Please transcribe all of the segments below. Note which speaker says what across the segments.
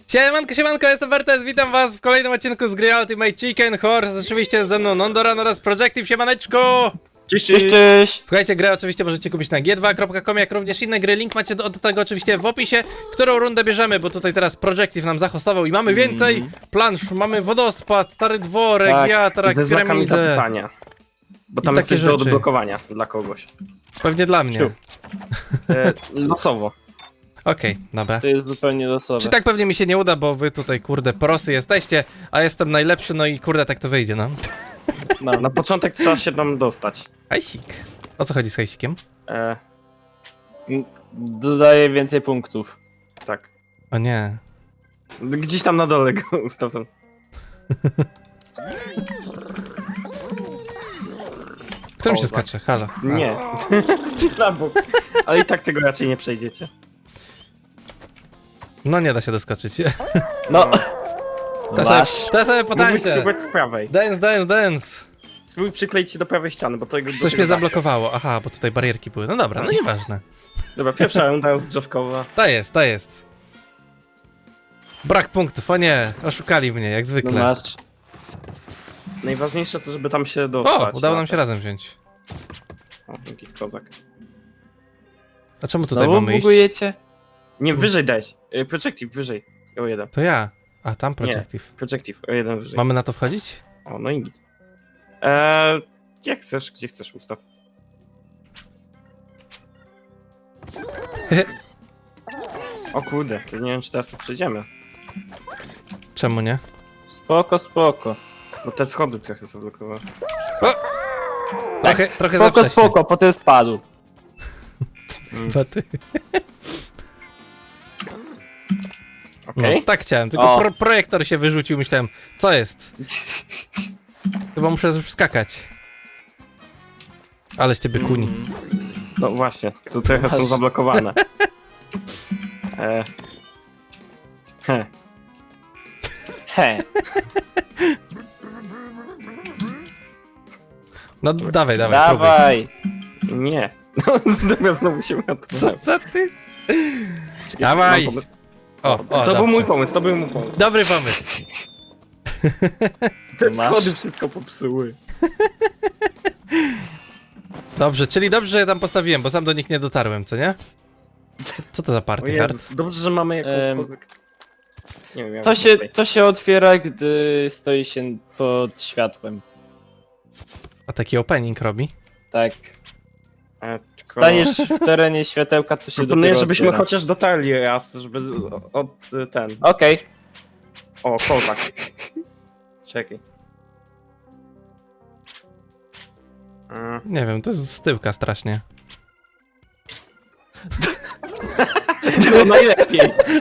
Speaker 1: Siemanko, jestem Wertes, witam was w kolejnym odcinku z gry Ultimate Chicken Horse. Oczywiście jest ze mną Nondoran oraz Projective, siemaneczko!
Speaker 2: Cześć, cześć, cześć!
Speaker 1: Słuchajcie, grę oczywiście możecie kupić na g2.com, jak również inne gry, link macie do tego oczywiście w opisie, którą rundę bierzemy, bo tutaj teraz Projective nam zahostował i mamy więcej plansz, mamy wodospad, stary dworek,
Speaker 2: Tak,
Speaker 1: wiatrak,
Speaker 2: ze znakami
Speaker 1: piramidę.
Speaker 2: zapytania. Bo tam
Speaker 1: I
Speaker 2: jest
Speaker 1: takie
Speaker 2: coś do
Speaker 1: rzeczy.
Speaker 2: odblokowania dla kogoś.
Speaker 1: Pewnie dla mnie.
Speaker 2: Siu. Losowo.
Speaker 1: Okej, dobra.
Speaker 3: To jest zupełnie losowe.
Speaker 1: Czy tak pewnie mi się nie uda, bo wy tutaj kurde prosy jesteście, a jestem najlepszy, no i kurde tak to wyjdzie, no.
Speaker 3: Mam.
Speaker 2: Na początek trzeba się tam dostać.
Speaker 1: Hajsik. O co chodzi z hajsikiem?
Speaker 3: Dodaję więcej punktów.
Speaker 2: Tak.
Speaker 1: O nie.
Speaker 2: Gdzieś tam na dole go ustaw tam.
Speaker 1: Którym się
Speaker 2: O, tak.
Speaker 1: skacze? Halo. A.
Speaker 2: Nie. Na bok. Ale i tak tego raczej nie przejdziecie.
Speaker 1: No nie da się doskoczyć.
Speaker 3: No,
Speaker 1: To sobie
Speaker 2: Mógłbyś
Speaker 1: potańczę.
Speaker 2: spróbować z prawej.
Speaker 1: Dance.
Speaker 2: Spróbuj przykleić się do prawej ściany, bo to jego...
Speaker 1: Coś mnie zablokowało. Aha, bo tutaj barierki były. No dobra, no nieważne.
Speaker 2: Dobra, pierwsza runda rozgrzewkowa.
Speaker 1: To jest. Brak punktów, o nie. Oszukali mnie, jak
Speaker 3: no
Speaker 1: zwykle.
Speaker 3: masz.
Speaker 2: Najważniejsze to, żeby tam się dostać.
Speaker 1: O, udało nam się razem wziąć.
Speaker 2: O, dzięki, kozak.
Speaker 1: A czemu tutaj
Speaker 3: Znowu
Speaker 1: mamy iść?
Speaker 3: bugujecie?
Speaker 2: Nie, wyżej dać. Projective, wyżej. O jeden.
Speaker 1: To ja. A, tam Projective.
Speaker 2: Projective, o jeden wyżej.
Speaker 1: Mamy na to wchodzić?
Speaker 2: O, no i nic. Gdzie chcesz ustaw? O kurde, to nie wiem czy teraz tu przejdziemy.
Speaker 1: Czemu nie?
Speaker 3: Spoko, spoko.
Speaker 2: Bo te schody trochę zablokowały.
Speaker 1: Trochę za
Speaker 3: Spoko,
Speaker 1: wcześnie.
Speaker 3: spoko, potem spadł.
Speaker 1: Baty.
Speaker 2: Okej.
Speaker 1: No, tak chciałem, tylko
Speaker 3: O.
Speaker 1: projektor się wyrzucił, myślałem, co jest? Chyba muszę już skakać. Ale z ciebie kuni.
Speaker 2: No właśnie, tu trochę są
Speaker 3: Masz.
Speaker 2: zablokowane. He.
Speaker 3: He.
Speaker 1: No dawaj, próbuj.
Speaker 3: Dawaj.
Speaker 2: Nie. No, dobra, znowu się
Speaker 1: Co ty? Dawaj. O,
Speaker 2: To
Speaker 1: dobrze.
Speaker 2: był mój pomysł, to był mój pomysł.
Speaker 1: Dobry pomysł.
Speaker 2: Te
Speaker 3: Masz?
Speaker 2: schody wszystko popsuły.
Speaker 1: Dobrze, czyli dobrze, że ja tam postawiłem, bo sam do nich nie dotarłem, co nie? Co to za
Speaker 2: O
Speaker 1: party hard?
Speaker 2: Jezus, dobrze, że mamy jakąkolwiek... Nie wiem,
Speaker 3: To się otwiera, gdy stoi się pod światłem.
Speaker 1: A taki opening robi?
Speaker 3: Tak.
Speaker 2: Tylko...
Speaker 3: Staniesz w terenie światełka, to się
Speaker 2: Proponuję,
Speaker 3: dopiero
Speaker 2: żebyśmy
Speaker 3: otwiera.
Speaker 2: chociaż dotarli raz, żeby ten...
Speaker 3: Okej.
Speaker 2: O, kozak. Czekaj.
Speaker 1: Nie wiem, to jest z tyłka strasznie.
Speaker 2: To najlepiej.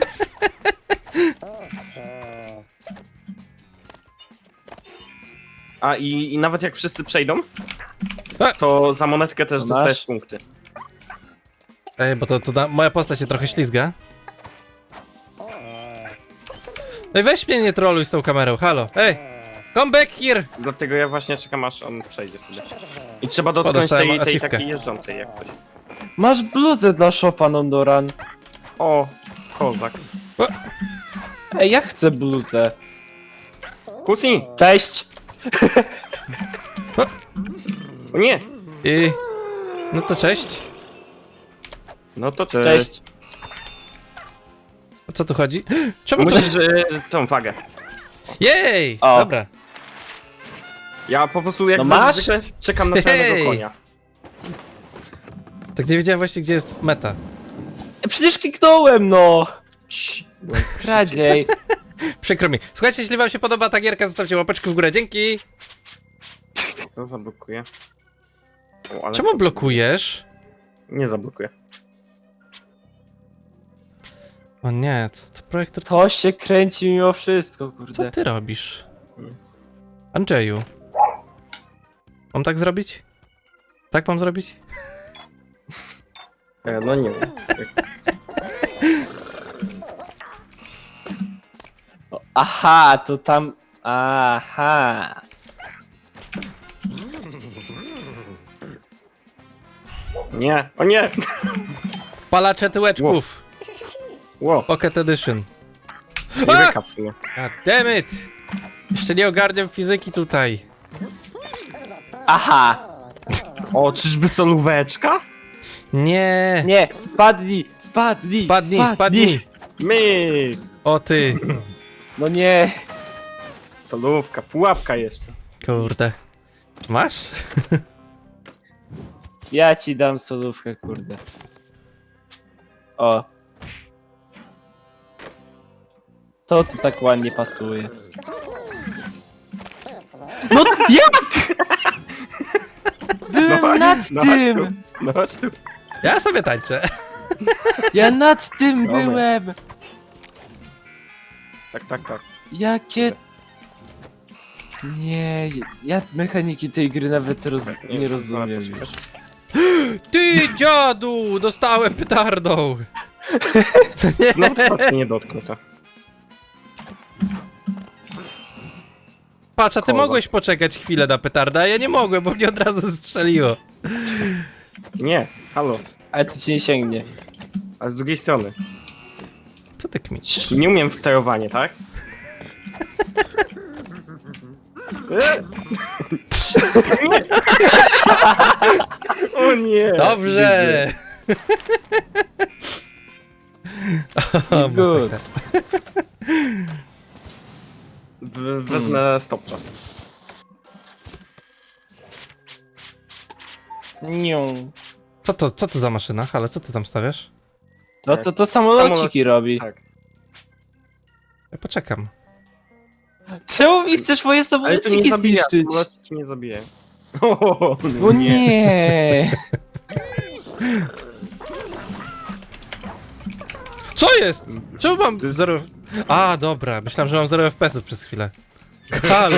Speaker 2: A i nawet jak wszyscy przejdą,
Speaker 1: A!
Speaker 2: to za monetkę też
Speaker 3: Masz?
Speaker 2: dostajesz punkty.
Speaker 1: Ej, bo moja postać się trochę ślizga. Ej, weź mnie nie troluj z tą kamerą, halo. Ej, come back here!
Speaker 2: Dlatego ja właśnie czekam aż on przejdzie sobie. I trzeba dotknąć
Speaker 1: dostałem
Speaker 2: tej
Speaker 1: achievkę.
Speaker 2: takiej jeżdżącej jak coś.
Speaker 3: Masz bluzę dla Shopa, Nondoran.
Speaker 2: O, kozak.
Speaker 3: Ej, ja chcę bluzę.
Speaker 2: Kusi!
Speaker 3: Cześć!
Speaker 2: O nie!
Speaker 1: I... No to cześć.
Speaker 2: No to
Speaker 3: Cześć.
Speaker 1: O co tu chodzi? Czemu to...
Speaker 2: Musisz tą wagę.
Speaker 1: Jej!
Speaker 3: O.
Speaker 1: Dobra.
Speaker 2: Ja po prostu jak
Speaker 3: No masz?
Speaker 2: zwykle czekam na czarnego
Speaker 1: Hej!
Speaker 2: konia.
Speaker 1: Tak nie wiedziałem właśnie, gdzie jest meta.
Speaker 3: Przecież kliknąłem, no! Kradziej.
Speaker 1: Przykro mi. Słuchajcie, jeśli wam się podoba ta gierka, zostawcie łapeczkę w górę, dzięki!
Speaker 2: Co zablokuje? O, ale
Speaker 1: Czemu
Speaker 2: to-
Speaker 1: blokujesz?
Speaker 2: Nie zablokuje.
Speaker 1: O nie, to projektor...
Speaker 3: To się kręci mimo wszystko,
Speaker 1: Co
Speaker 3: kurde.
Speaker 1: ty robisz? Andrzeju. Mam tak zrobić? Tak mam zrobić?
Speaker 2: No nie wiem.
Speaker 3: Aha, to tam... Aha.
Speaker 2: Nie, o nie!
Speaker 1: Palacze tyłeczków.
Speaker 2: Ło.
Speaker 1: Pocket Edition.
Speaker 2: Nie
Speaker 1: A!
Speaker 2: beka w sumie.
Speaker 1: God damn it! Jeszcze nie ogarniam fizyki tutaj.
Speaker 3: Aha!
Speaker 2: O, czyżby solóweczka?
Speaker 1: Nie!
Speaker 3: Nie! Spadnij! Spadnij!
Speaker 1: Spadnij!
Speaker 2: My!
Speaker 1: O ty!
Speaker 3: No nie!
Speaker 2: Solówka, pułapka jeszcze.
Speaker 1: Kurde. Masz?
Speaker 3: Ja ci dam solówkę, kurde. O. To tu tak ładnie pasuje. No jak?! Byłem nad
Speaker 2: no
Speaker 3: tym!
Speaker 2: Chodź tu. No chodź tu.
Speaker 1: Ja sobie tańczę.
Speaker 3: Ja nad tym
Speaker 2: Dobra.
Speaker 3: byłem!
Speaker 2: Tak.
Speaker 3: Jakie... Nie, ja mechaniki tej gry nawet nie rozumiem już.
Speaker 1: Ty dziadu! Dostałem petardą!
Speaker 2: No to nie dotknę to.
Speaker 1: Patrz, a ty
Speaker 2: Koza.
Speaker 1: mogłeś poczekać chwilę na petardę, a ja nie mogłem, bo mnie od razu strzeliło.
Speaker 2: Nie, halo.
Speaker 3: Ale to ci nie sięgnie.
Speaker 2: A z drugiej strony.
Speaker 1: Co ty kmicisz?
Speaker 2: Nie umiem w sterowanie, tak? O nie!
Speaker 1: Dobrze! O,
Speaker 3: Good.
Speaker 1: masakra.
Speaker 2: Wezmę stop czas.
Speaker 3: Nią.
Speaker 1: Co to za maszyna? Ale co ty tam stawiasz?
Speaker 3: No to samolociki
Speaker 2: Samolociki.
Speaker 3: robi.
Speaker 2: Tak.
Speaker 1: Ja poczekam.
Speaker 3: Czemu mi chcesz moje
Speaker 2: Ale to nie
Speaker 3: samolociki
Speaker 2: zabija,
Speaker 3: zniszczyć?
Speaker 2: samolociki nie zabije. O
Speaker 3: O nie!
Speaker 1: Co jest? Czemu mam
Speaker 2: To jest-
Speaker 1: 0... A, dobra, myślałem, że mam 0 FPS-ów przez chwilę. Halo!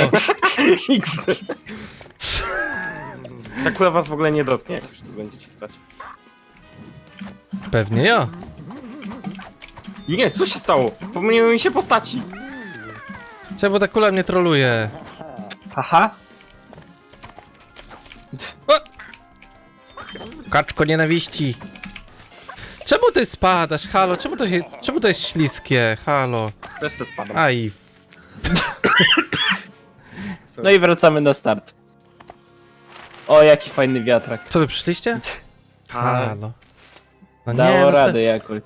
Speaker 2: Ta kula was w ogóle nie dotknie, jak już tu będziecie stać.
Speaker 1: Pewnie ja.
Speaker 2: Nie, co się stało? Pomyliły mi się postaci.
Speaker 1: Czemu ta kula mnie troluje?
Speaker 3: Haha.
Speaker 1: Kaczko nienawiści. Czemu ty spadasz? Halo, czemu to jest śliskie? Halo.
Speaker 2: Też se spadam.
Speaker 1: Aj.
Speaker 3: No i wracamy na start. O, jaki fajny wiatrak.
Speaker 1: Co wy przyszliście?
Speaker 2: Tak.
Speaker 1: Halo. No nie,
Speaker 3: Dało
Speaker 1: no to-
Speaker 3: radę jakoś.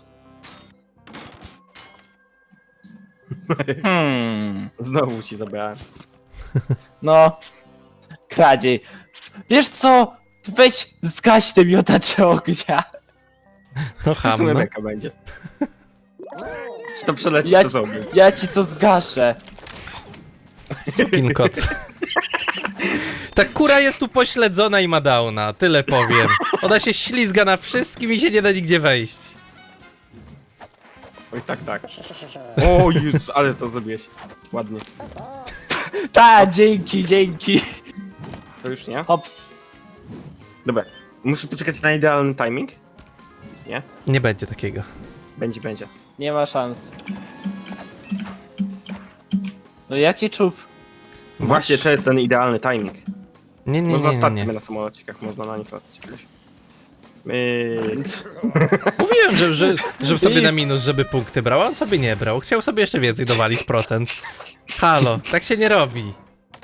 Speaker 2: Znowu ci zabrałem.
Speaker 3: No. Kradziej. Wiesz co? Weź zgaś te miotacze ognia.
Speaker 1: No
Speaker 2: W sumie
Speaker 1: ham, no.
Speaker 2: beka będzie. Czy to przeleci
Speaker 3: Ja
Speaker 2: przez
Speaker 3: ci,
Speaker 2: ogień?
Speaker 3: ja ci to zgaszę.
Speaker 1: Sukin kot. Ta kura jest tu pośledzona i ma downa, tyle powiem. Ona się ślizga na wszystkim i się nie da nigdzie wejść.
Speaker 2: Oj, tak. O Jezus, ale to zrobiłeś. Ładnie.
Speaker 3: Ta, dzięki.
Speaker 2: To już nie?
Speaker 3: Hops.
Speaker 2: Dobra. Muszę poczekać na idealny timing? Nie?
Speaker 1: Nie będzie takiego.
Speaker 2: Będzie.
Speaker 3: Nie ma szans. No jaki czub?
Speaker 2: Właśnie to jest ten idealny timing.
Speaker 1: Nie,
Speaker 2: Można stać
Speaker 1: nie.
Speaker 2: sobie na samolocikach, można na nich latać jakoś.
Speaker 1: Mówiłem, żeby sobie na minus, żeby punkty brał, a on sobie nie brał. Chciał sobie jeszcze więcej dowalić procent. Halo, tak się nie robi.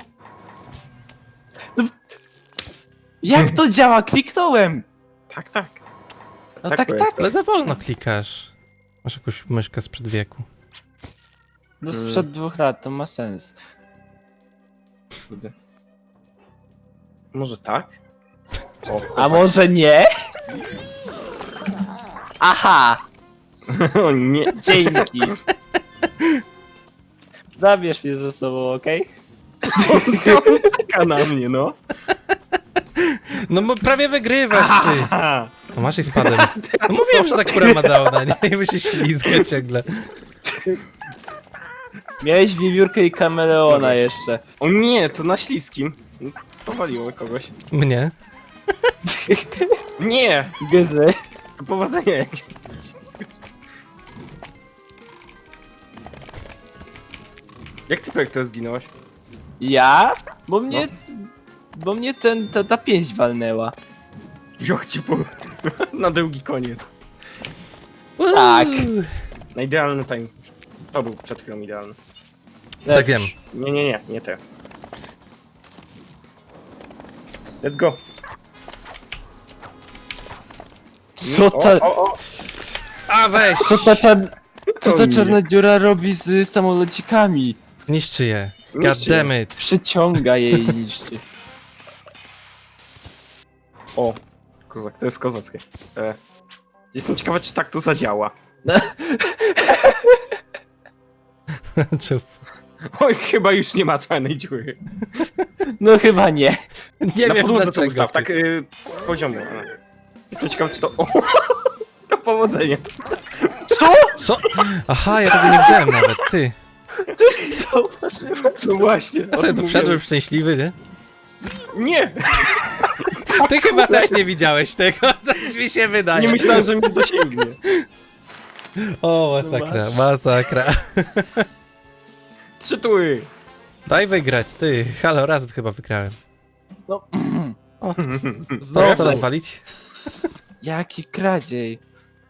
Speaker 3: Jak to działa? Kliknąłem!
Speaker 2: Tak.
Speaker 3: No
Speaker 2: Tak
Speaker 3: tak,
Speaker 2: to
Speaker 3: tak.
Speaker 2: jest.
Speaker 1: Ale za wolno klikasz. Masz jakąś myszkę sprzed wieku.
Speaker 3: No sprzed 2 lat, to ma sens.
Speaker 2: Kurde. Może tak? O,
Speaker 3: A może nie? Aha!
Speaker 2: o nie.
Speaker 3: Dzięki. Zabierz mnie ze sobą, okej?
Speaker 2: On czeka na mnie, no.
Speaker 1: No prawie wygrywasz, ty.
Speaker 2: Aha.
Speaker 1: No masz i spadłem. No mówiłem, że ta kura ma downa, nie? I by się ślizga ciągle.
Speaker 3: Miałeś wiewiórkę i kameleona
Speaker 2: Dobra.
Speaker 3: jeszcze.
Speaker 2: O nie, to na śliskim. Powaliło kogoś.
Speaker 1: Mnie?
Speaker 2: Nie!
Speaker 3: Gezy.
Speaker 2: To powodzenia jakieś. Jak ty projekt zginąłeś?
Speaker 3: Ja? Bo mnie ta pięść walnęła.
Speaker 2: Joch ci po... na długi koniec.
Speaker 3: Tak.
Speaker 2: Na idealny time. To był przed chwilą idealny.
Speaker 1: Tak wiem.
Speaker 2: Nie teraz. Let's go.
Speaker 3: Co ta,
Speaker 2: O.
Speaker 1: A weź!
Speaker 3: co
Speaker 2: O
Speaker 3: ta
Speaker 2: nie.
Speaker 3: czarna dziura robi z samolocikami?
Speaker 1: Niszczy je. God
Speaker 2: Niszczy je.
Speaker 1: damn it.
Speaker 3: Przyciąga je i niszczy.
Speaker 2: O. Kozak, to jest kozackie. Jestem ciekawy, czy tak to zadziała.
Speaker 1: Czub.
Speaker 2: Oj, chyba już nie ma czarnej dziury.
Speaker 3: No chyba nie.
Speaker 1: Nie
Speaker 2: Na
Speaker 1: wiem
Speaker 2: podłodze to
Speaker 1: dlaczego.
Speaker 2: ustaw, tak poziomo. Jestem ciekawy, czy to... O, to powodzenie.
Speaker 1: Co? Aha, ja tego nie widziałem nawet, ty.
Speaker 3: Też nie zauważyłem.
Speaker 2: No właśnie.
Speaker 1: Ja sobie tu wszedłem szczęśliwy, nie?
Speaker 2: Nie!
Speaker 1: Ty chyba też nie widziałeś tego, coś mi się wydaje.
Speaker 2: Nie myślałem, że mnie dosięgnie.
Speaker 1: O, masakra, masakra.
Speaker 2: 3 tury.
Speaker 1: Daj wygrać, ty. Halo, raz chyba wygrałem.
Speaker 3: No.
Speaker 1: O.
Speaker 3: Znowu.
Speaker 1: Co rozwalić?
Speaker 3: Jaki kradziej.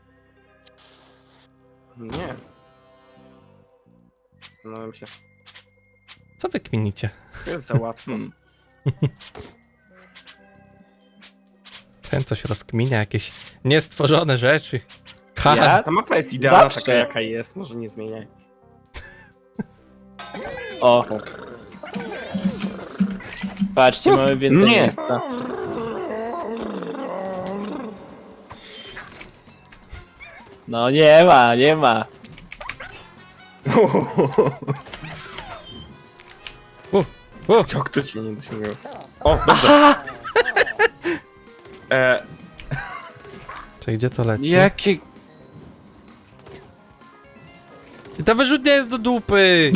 Speaker 2: Nie. Zastanawiam się.
Speaker 1: Co wy kminicie?
Speaker 2: To jest za łatwo.
Speaker 1: Ten coś rozkminia, jakieś niestworzone rzeczy. Ha,
Speaker 3: Ja?
Speaker 2: Ta mapa jest idealna
Speaker 3: Zawsze.
Speaker 2: taka, jaka jest. Może nie zmieniaj.
Speaker 3: O. Patrzcie, mamy więcej
Speaker 2: Nie.
Speaker 3: miejsca. No nie ma, nie ma.
Speaker 2: Jak to cię nie dosięgnęło? O, dobrze.
Speaker 1: Czy gdzie to leci?
Speaker 3: Jakie...
Speaker 1: I ta wyrzutnia jest do dupy!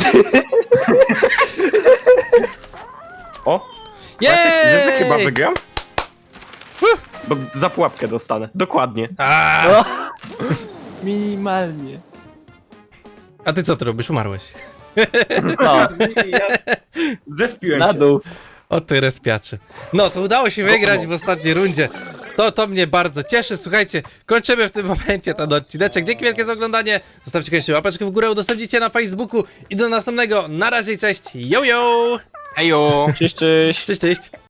Speaker 2: O! Wiesz, że chyba
Speaker 1: Jej!
Speaker 2: wygram? Bo za pułapkę dostanę. Dokładnie.
Speaker 1: A!
Speaker 3: Minimalnie.
Speaker 1: A ty co ty robisz? Umarłeś.
Speaker 3: No,
Speaker 2: Zespiłem
Speaker 3: na
Speaker 2: się.
Speaker 3: dół.
Speaker 1: O ty respiaczy. No, to udało się wygrać w ostatniej rundzie. To mnie bardzo cieszy. Słuchajcie, kończymy w tym momencie ten odcineczek. Dzięki wielkie za oglądanie. Zostawcie koniecznie łapeczkę w górę, udostępnijcie na Facebooku i do następnego. Na razie, cześć. Yo, yo!
Speaker 2: Ejo!
Speaker 3: Cześć, cześć.
Speaker 1: Cześć, cześć.